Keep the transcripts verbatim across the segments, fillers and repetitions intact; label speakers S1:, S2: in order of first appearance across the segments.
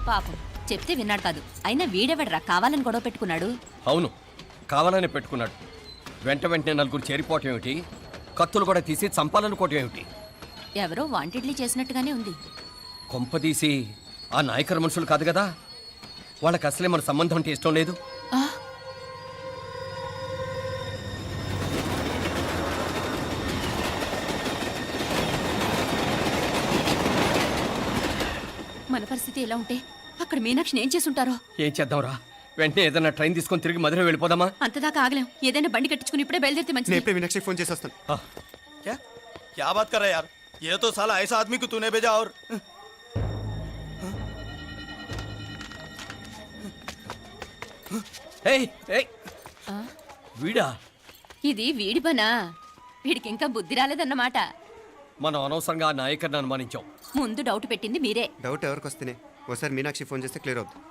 S1: పాపం చెప్తే విన్నాడు కాదు. అయినా వీడెవడరా కావాలని గొడవ పెట్టుకున్నాడు?
S2: అవును, కావాలనే పెట్టుకున్నాడు. వెంట వెంటనే నలుగురు చేరిపోవటం ఏమిటి, కత్తులు కూడా తీసి చంపాలనుకోవటం ఏమిటి?
S1: ఎవరో వాంటెడ్లీ చేసినట్టుగానే ఉంది.
S2: కొంపదీసి ఆ నాయకర్ మనుషులు కాదు కదా? వాళ్ళకి అసలే మన సంబంధం అంటే ఇష్టం లేదు.
S1: మన పరిస్థితి ఎలా ఉంటే అక్కడ మీనాక్షిని ఏం చేసుంటారో.
S2: ఏం చేద్దాంరా, వెంటనే ఏదైనా ట్రైన్ తీసుకొని తిరిగి మధుర వెళ్ళిపోదామా?
S1: అంతదాకా ఆగలేం. ఏదైనా బండి కట్టించుకుని ఇప్పుడే బయలుదేరితే మంచిది.
S3: మీనాక్షి ఫోన్ చేసేస్తాను.
S4: क्या क्या बात कर रहा है यार? ये तो साला ऐसा आदमी को तूने भेजा और
S2: ఏయ్ ఏయ్ వీడా?
S1: ఇది వీడి పనా? వీడికి ఇంకా బుద్ధి రాలేదన్నమాట.
S2: మనం అనవసరంగా ఆ నాయకర్ని అనుమానించాం.
S1: ముందు డౌట్ పెట్టింది మీరే.
S3: డౌట్ ఎవరికి వస్తేనే ఓసారి మీనాక్షి ఫోన్ చేస్తే క్లియర్ అవుతుంది.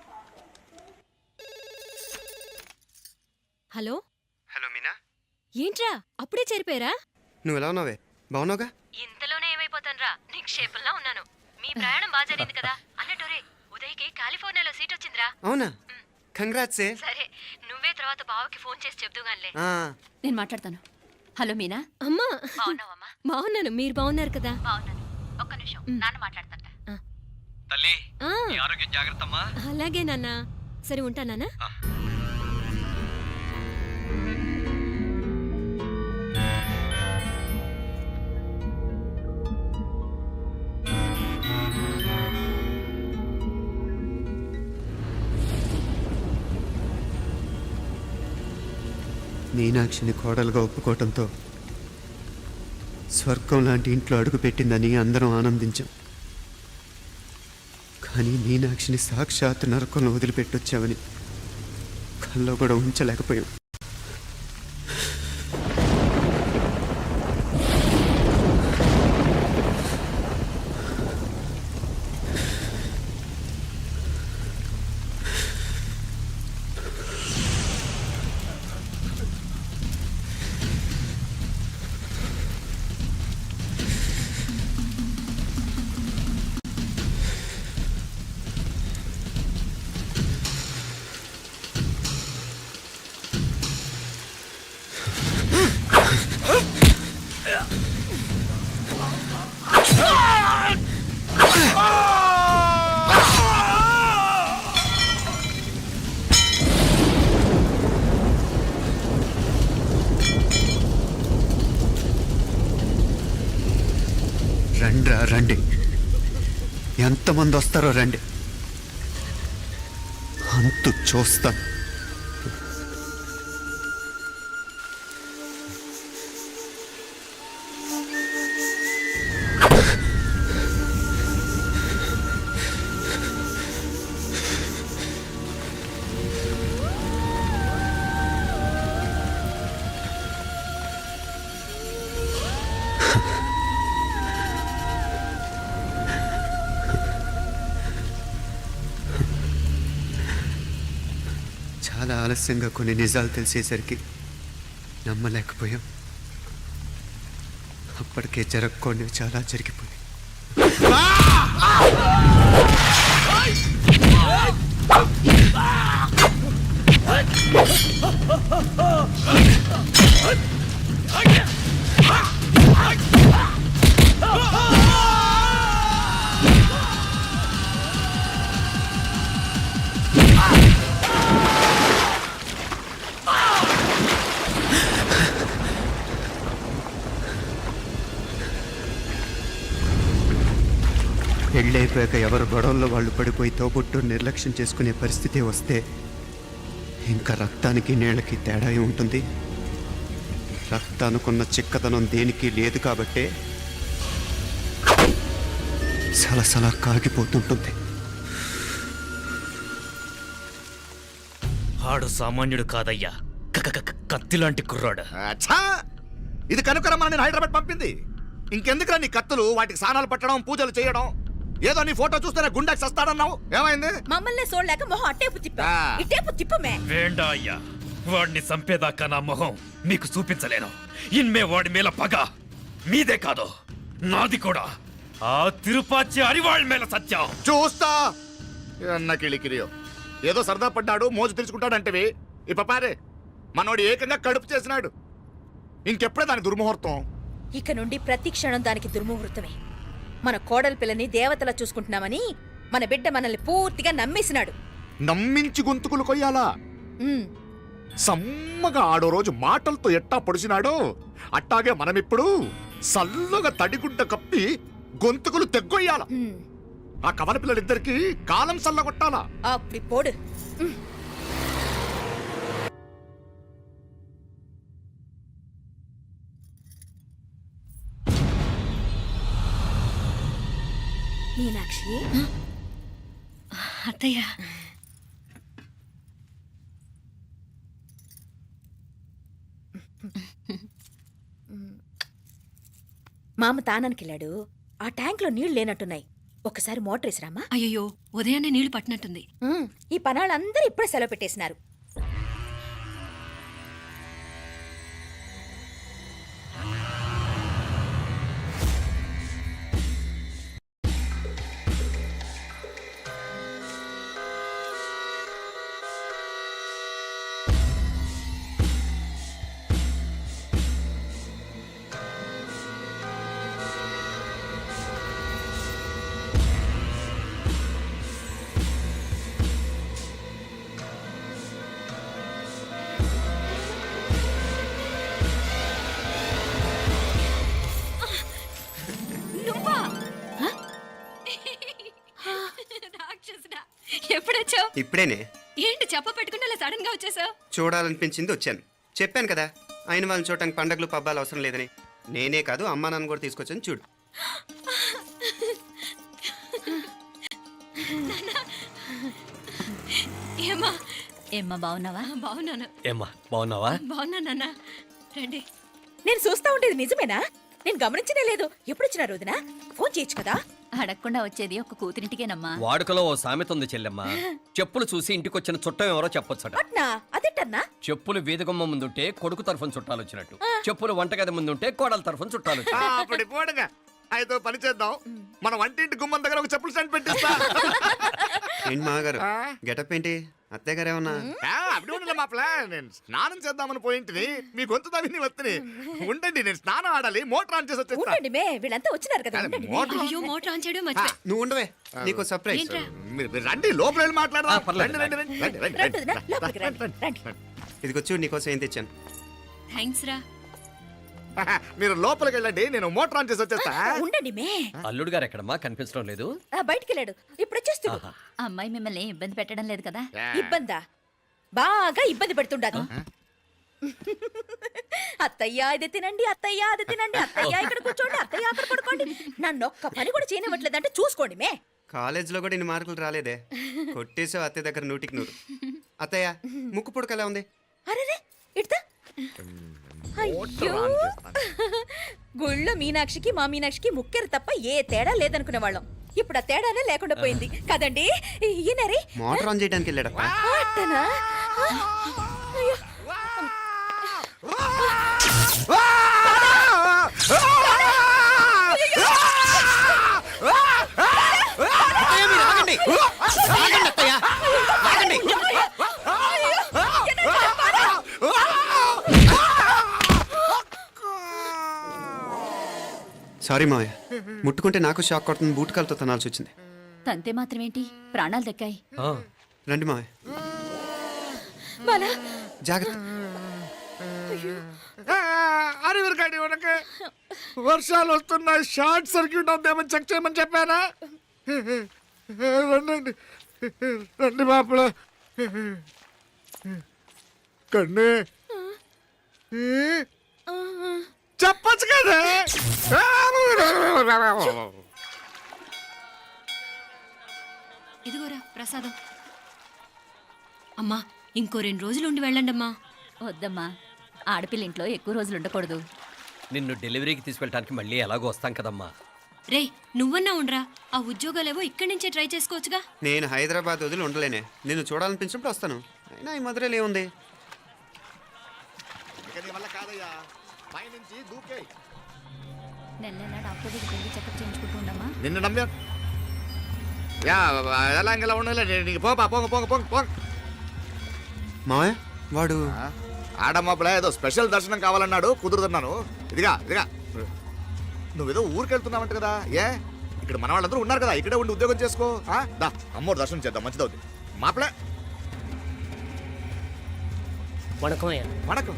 S5: హలో
S3: హలో మీనా,
S5: ఏంట్రా అప్పుడే చేరిపోయారా?
S3: నువ్వు ఎలా ఉన్నావే? బాగున్నావుగా?
S5: ఇంతలోనే ఏమైపోతాన్రా, నిక్షేపంలా ఉన్నాను. మీ ప్రయాణం బాగా జరిగింది కదా? అన్నట్టురే ఉదయ్కి కాలిఫోర్నియాలో సీట్ వచ్చిందిరా.
S3: అవునా? కంగ్రాట్స్.
S5: సరే నువ్వే తర్వాత బావకి ఫోన్ చేసి చెప్దుగానిలే.
S1: నేను మాట్లాడతాను. హలో మీనా.
S5: అమ్మా బాగున్నాను, మీరు బాగున్నారు కదా?
S1: బాగున్నాను. ఒక్క నిమిషం, నాన్న మాట్లాడతాను.
S2: తల్లి,
S5: ఆ,
S2: నీ ఆరోగ్యం జాగ్రత్తమ్మా.
S5: అలాగే నాన్న. సరే ఉంటా నాన్న.
S3: మీనాక్షిని కోడలుగా ఒప్పుకోవటంతో స్వర్గం లాంటి ఇంట్లో అడుగు పెట్టిందని అందరం ఆనందించాం. కానీ మీనాక్షిని సాక్షాత్ నరకంలో వదిలిపెట్టొచ్చామని కల్లో కూడా ఉంచలేకపోయాం. రండ్రా రండి, ఎంతమంది వస్తారో రండి, అంతు చూస్తాను. చాలా ఆలస్యంగా కొన్ని నిజాలు తెలిసేసరికి నమ్మలేకపోయాం. అప్పటికే జరగకూడనివి చాలా జరిగిపోయాయి. పెళ్ళైపోయాక ఎవరు గొడవల్లో వాళ్ళు పడిపోయి తోబుట్టు నిర్లక్ష్యం చేసుకునే పరిస్థితి వస్తే ఇంకా రక్తానికి నీళ్ళకి తేడా ఉంటుంది. రక్తానుకున్న చిక్కదనం దేనికి లేదు కాబట్టే సలసలా కాగిపోతుంటుంది.
S6: ఆడు సామాన్యుడు కాదయ్యా, కత్తిలాంటి కుర్రాడు.
S4: ఇది కనుకరమ్మని నేను హైదరాబాద్ పంపింది. ఇంకెందుకురా నీ కత్తులు, వాటికి స్నానాలు పట్టడం, పూజలు చేయడం? ఏదో నీ ఫోటో చూస్తేనే గుండెకి సస్తాడన్నావు, ఏమైంది?
S7: మమ్మల్ని చూడలేక మొహం అట్టేపు తిప్పా, ఇట్టేపు తిప్పమే.
S6: వేండా అయ్యా, వాడిని చంపేదాకా నా మొహం మీకు చూపించలేను. ఇన్మే వాడి మేల పగ మీదే కాదు, నాది కూడా. ఆ తిరుపాచి అరివాళ్ళ మేల సత్యం
S4: చూస్తా. అన్న కిళికిరియో ఏదో సరదా పడ్డాడు మోజు తెచ్చుకుంటాడంటవి ఈ పపారే మనోడు ఏకంగా కడుపు చేసినాడు. ఇంకెప్పుడే దాని దుర్ముహూర్తం.
S7: ఇక నుండి ప్రతి క్షణం దానికి దుర్ముహూర్తమే. మన కోడలి పిల్లని దేవతలా చూసుకుంటున్నామని మన బిడ్డ మనల్ని పూర్తిగా నమ్మేసినాడు.
S4: నమ్మించి గొంతుకులు కొయ్యాలా?
S7: ఉమ్,
S4: సమ్మగా ఆడో రోజు మాటలతో ఎట్టా పొడిచినాడో అట్టాగే మనమిప్పుడు సల్లగా తడిగుడ్డ కప్పి గొంతుకులు తెగ్గొయ్యాల.
S7: ఉమ్.
S4: ఆ కవల పిల్లలిద్దరికి కాలం సల్లగొట్టాలా.
S7: అప్పుడు పోడు. ఉమ్. మీనాక్షి,
S5: అత్తయ్య
S7: మామ తానానికి వెళ్ళాడు. ఆ ట్యాంక్ లో నీళ్లు లేనట్టున్నాయి. ఒకసారి మోటార్ వేసిరామా.
S5: అయ్యో ఉదయాన్నే నీళ్లు పట్టినట్టుంది.
S7: ఉమ్, ఈ పనాళ్ళందరూ ఇప్పుడే సెలవు పెట్టేసినారు.
S5: రాక్షసుడా, ఎప్పుడొచ్చావు?
S3: ఇప్పుడేనే
S5: ఏంటి చెప్ప పెట్టుకుంటే అలా సడన్ గా వచ్చేసావు?
S3: చూడాలనిపించింది వచ్చాను. చెప్పాను కదా అయిన వాళ్ళని చూడటానికి పండగలు పబ్బాలు అవసరం లేదని. నేనే కాదు అమ్మా నాన్న కూడా తీసుకొచ్చాను చూడు.
S5: ఏమా
S1: ఏమ్మా బాగున్నావా?
S5: బాగున్నాను.
S2: ఏమ్మా బాగున్నావా?
S5: బాగున్నా నాన్న. రండి.
S7: నేను చూస్తా ఉండేది నిజమేనా? నేను గమనించనే లేదు. ఎప్పుడొచ్చినా రోజున ఫోన్ చేయొచ్చు కదా.
S1: అడగకుండా వచ్చేది ఒక కూతురింటికేనమ్మా.
S2: వాడుకలో ఓ సామెత ఉంది చెల్లెమ్మ. చెప్పులు చూసి ఇంటికొచ్చిన చుట్టం ఎవరో చెప్పొచ్చట.
S7: అట్నా? అదేటన్నా?
S2: చెప్పులు వీధగుమ్మ ముందుంటే కొడుకు తరఫున చుట్టాలు వచ్చినట్టు, చెప్పులు వంటగది ముందుంటే కోడల తరఫున చుట్టాలు
S4: ఆ,
S2: వచ్చినట్టు.
S4: అప్పుడు పోడుగా అయితే పని చేద్దాం. మన వంటింటి గుమ్మం దగ్గర ఒక చెప్పులు స్టాండ్ పెట్టిస్తా.
S3: ఏంటి మామగారు
S4: ఆ?
S3: గెటప్ ఏంటి? అత్తయ్య గారు ఏమన్నా?
S4: ఆ, అప్పుడు ఉండలే మా ప్లాన్. నేను స్నానం చేద్దామని పోయింటిని, మీ గొంతు తవ్వి వస్తుంది. ఉండండి, నేను స్నానం ఆడాలి. మోటార్ ఆన్ చేసి వచ్చేస్తా.
S7: ఉండండి మే, వీళ్ళంతా వచ్చినారు కదా.
S4: అరే,
S7: ఉండండి మే.
S4: మోటార్
S5: అయ్యో మోటార్ ఆన్ చేయడం మర్చిపోయా.
S3: నువ్వు ఉండవే, నీకు సర్ప్రైజ్.
S5: ఏంట్రా?
S4: మీరు మీరు రండి, లోపల వెళ్ళి మాట్లాడదాం.
S2: ఆ, పర్లేదు.
S4: రండి, రండి, రండి, రండి, రండి,
S7: రండి వదినా,
S4: రండి,
S7: లోపలికి రండి,
S4: రండి,
S7: రండి.
S4: రండి.
S3: ఇదిగో చూడు నీకోసం ఏం తెచ్చాను.
S5: థ్యాంక్స్ రా.
S4: మీరు లోపలికి వెళ్ళండి, నేను మోటార్ ఆన్ చేసి వచ్చేస్తా.
S7: ఉండండి మే.
S2: అల్లుడు గారు ఎక్కడమ్మా కనిపించడం లేదు?
S7: ఆ, బయటికి వెళ్ళాడు. ఇప్పుడు వచ్చేస్తాడు.
S2: ఆహా.
S1: అమ్మాయి మిమ్మల్ని ఇబ్బంది పెట్టడం లేదు కదా?
S7: ఇబ్బందా? బాగా ఇబ్బంది పెడుతుండదు. అత్తయ్య ఇది తినండి, అత్తయ్య అది తినండి, అత్తయ్య ఇక్కడ కూర్చోండి, అత్తయ్య అక్కడ పడుకోండి. నన్ను ఒక్క పని కూడా చేయనివ్వట్లేదంటే చూసుకోండి మే.
S3: కాలేజీలో కూడా ఇన్ని మార్కులు రాలేదే. కొట్టేసావు అత్తయ్య దగ్గర నూటికి నూరు. అత్తయ్య ముక్కు పుడక ఎలా ఉంది?
S7: అరే ఇడతా. అయ్యో, గుళ్ళో మీనాక్షికి మా మీనాక్షికి ముక్కెరు తప్ప ఏ తేడా లేదనుకునే వాళ్ళం. ఇప్పుడు ఆ తేడానే లేకుండా పోయింది కదండి. ఈయనరే
S3: మోటార్ ఆన్ చేయడానికి వెళ్ళాడప్ప.
S7: అట్టనా? అయ్యో.
S3: సారీ మావయ్య, ముట్టుకుంటే నాకు షాక్ కొడుతుంది. బూటకాలతో తనాల్సి వచ్చింది.
S1: తంతే మాత్రమేంటి, ప్రాణాలు దక్కాయి.
S2: ఆ,
S3: రండి మావయ్య,
S7: బాలా,
S3: జాగ్రత్త.
S4: అరవిరకాడి ఉనకే వర్షాలు వస్తున్నాయి, షార్ట్ సర్క్యూట్ అవుతామని చెక్ చేయమని చెప్పానా? రండి రండి మాపల కన్ను చెప్పచ్చు కదా.
S5: ఇదిగోరా ప్రసాదం. అమ్మా ఇంకో రెండు రోజులు ఉండి వెళ్ళండి అమ్మా.
S1: వద్దమ్మా, ఆడపిల్ల ఇంట్లో ఎక్కువ రోజులు ఉండకూడదు.
S2: నిన్ను డెలివరీకి తీసుకెళ్ళడానికి మళ్ళీ ఎలాగో వస్తాం కదమ్మా.
S5: రేయ్ నువ్వన్నా ఉండరా, ఆ ఉద్యోగాలేవో ఇక్కడి నుంచే ట్రై చేసుకోవచ్చుగా.
S3: నేను హైదరాబాద్ వదిలి ఉండలేనే. నిన్ను చూడాలనిపించినప్పుడు వస్తాను. అయినా ఈ మధురలో ఏముంది?
S4: వల్ల కాదయ్యా, పైనుంచి దూకే.
S1: నెల నెల డాక్టర్ దగ్గరికి వెళ్ళి చెకప్ చేయించుకుంటూ ఉండమ్మా.
S4: నిన్ను నమ్మా యా ఎలా ఇంకెలా ఉండలే నీకు పోపా పోంగ పోంగ పోంగ పోంగ
S3: మావయ్య వాడు
S4: ఆడమ్మప్పుడే ఏదో స్పెషల్ దర్శనం కావాలన్నాడు కుదురుతున్నాను ఇదిగా ఇదిగా నువ్వేదో ఊరికి వెళ్తున్నావంట కదా ఏ ఇక్కడ మన వాళ్ళందరూ ఉన్నారు కదా ఇక్కడే ఉండి ఉద్యోగం చేసుకో ఆ? దా అమ్మోడు దర్శనం చేద్దాం మంచిదవుద్ది మాపలే
S8: வணக்கம் ஐயா
S4: వణకం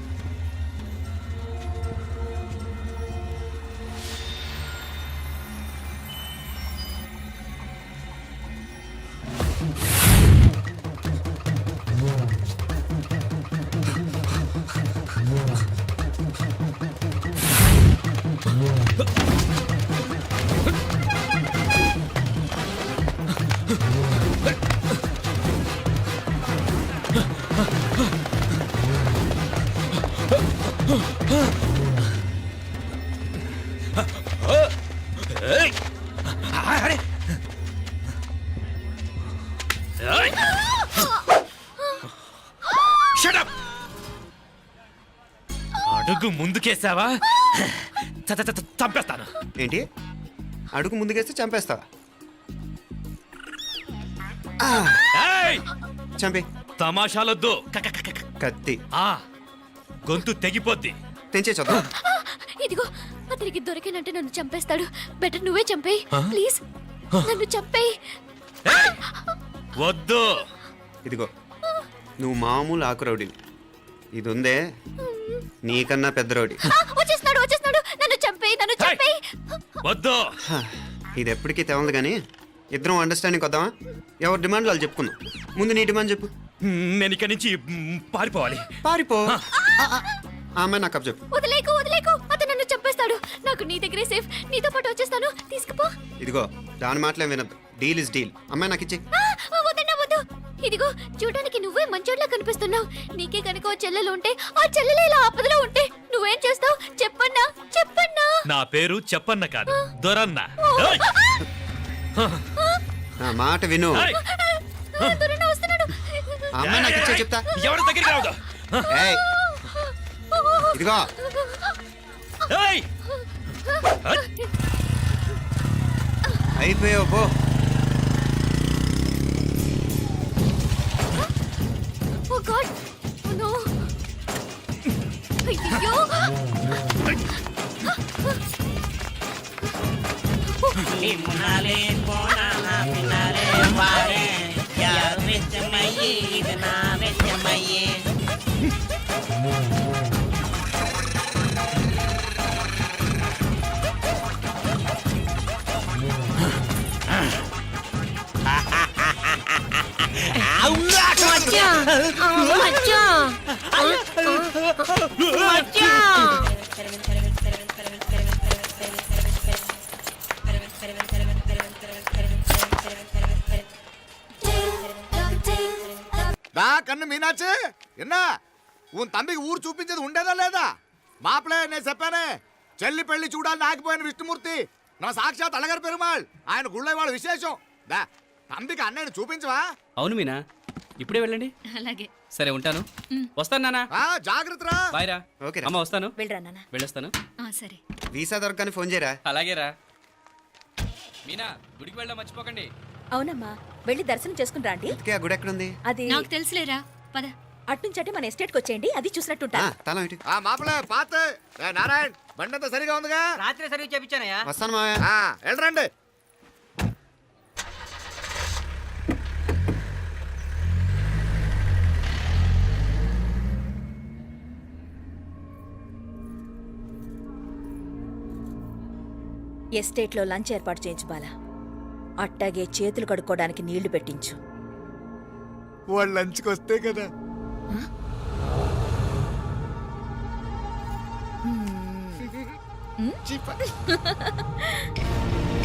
S6: ఏయ్! అరే! ఏయ్! Shut up! అడుగు ముందుకేసావా చ- చ- చ- చంపేస్తాను.
S3: ఏంటి అడుగు ముందుకేస్తే చంపేస్తావా ఆ,
S6: ఏయ్!
S3: చంపి
S6: తమాషాలొద్దు క- క- క- క-
S3: కత్తి
S6: ఆ, గొంతు తెగిపోద్ది.
S3: తెంచే చదువు
S5: ఇదిగో అతనికి దొరికినంటే నన్ను చంపేస్తాడు బెటర్ నువ్వే చంపేయి ప్లీజ్ నన్ను చంపేయి
S6: ఏయ్! వద్దు.
S3: ఇదిగో నువ్వు మామూలు ఆకు రౌడీ ఇది ఉందే నీకన్నా పెద్ద రౌడీ
S5: ఆ, వచ్చేస్తున్నాడు వచ్చేస్తున్నాడు నన్ను చంపేయి నన్ను
S6: ఏయ్!
S5: చంపేయి
S6: వద్దు.
S3: హ, ఇది ఎప్పటికీ తెవలదు కానీ ఇద్దరం అండర్స్టాండింగ్ వద్దామా ఎవరి డిమాండ్ వాళ్ళు చెప్పుకుందాం ముందు నీ డిమాండ్ చెప్పు
S6: నేను ఇక్కడి నుంచి మ్, పారిపోవాలి.
S3: పారిపో ఆ, ఆ, ఆ అమ్మాయి నాకు చెప్పు
S5: వదిలేకు వదిలేకు అతను నన్ను చంపేస్తాడు నాకు నీ దగ్గరే సేఫ్ నీతో పాటు వచ్చేస్తాను తీసుకుపో
S3: ఇదిగో దాని మాటలే వినద్దు డీల్ ఇస్ డీల్ అమ్మాయి నాకు ఇచ్చే
S5: ఆ, వద్దన్నా వద్దు ఇదిగో చూడడానికి నువ్వే మంచోట్లా కనిపిస్తున్నావు నీకే కనుక ఓ చెల్లెలు ఉంటే ఆ చెల్లెలు ఇలా ఆపదలో ఉంటే నువ్వేం చేస్తావు చెప్పన్నా చెప్పన్నా
S6: నా పేరు చెప్పన్న కాదు దొరన్న. ఏయ్!
S3: నా మాట విను
S6: ఏయ్!
S5: ఆ, దొరన్న వస్తున్నాడు
S3: ఆ అమ్మాయి నాకు ఇచ్చే చెప్తా
S6: ఎవరి దగ్గరికి రావద్దు.
S3: ఏయ్ ఇదిగో
S6: ఏయ్!
S3: అయిపోయావు పో
S5: ఓ గాడ్ నో అయ్యో
S8: பின்னாலே போனா பின்னாலே பாரு யார் வெச்ச மையே இது நான் வெச்ச மையே
S4: దా కన్ను మీనాచి ఎన్నా ఉన్ తండ్రికి ఊరు చూపించేది ఉండేదా లేదా మాపలే నేను చెప్పానే చెల్లి పెళ్లి చూడాలని ఆగిపోయిన విష్ణుమూర్తి నా సాక్షాత్ అలగారి పెరుమాళ్ ఆయన గుళ్ళ వాళ్ళ విశేషం దా తండ్రికి అన్నయ్యని చూపించవా
S9: అవును మీనా ఇప్పుడే వెళ్ళండి
S1: అలాగే
S9: సరే ఉంటాను వస్తాను నానా
S4: ఆ జాగ్రత్తరా
S9: బాయ్ రా
S3: ఓకే
S9: అమ్మ వస్తాను
S7: వెళ్ళరా నాన్న
S9: వెళ్ళొస్తాను
S1: ఆ, సరే
S3: వీసా దొరకని ఫోన్ చేయరా
S9: అలాగే రా మీనా గుడికి వెళ్ళడం మర్చిపోకండి
S7: అవునమ్మా వెళ్ళి దర్శనం చేసుకుని రండి
S3: ఇంతకీ ఆ గుడి ఎక్కడుంది
S7: అది
S1: నాకు తెలుసులేరా పద
S7: అట్నుంచంటే మన ఎస్టేట్కి వచ్చేయండి అది చూసినట్టుంటా
S3: ఆ, తల ఇటు
S4: ఆ మాపలే పాత ఏ నారాయణ్ బండంతా సరిగా ఉందిగా
S8: రాత్రి సర్వీస్ చేపించానయ్యా
S3: వస్తాను మావయ్య
S4: ఆ వెళ్ళరండి
S7: ఎస్టేట్లో లంచ్ ఏర్పాటు చేయించు బాలా అట్టాగే చేతులు కడుక్కోవడానికి నీళ్లు పెట్టించు
S4: వాళ్ళు లంచ్కి వస్తే కదా చీప.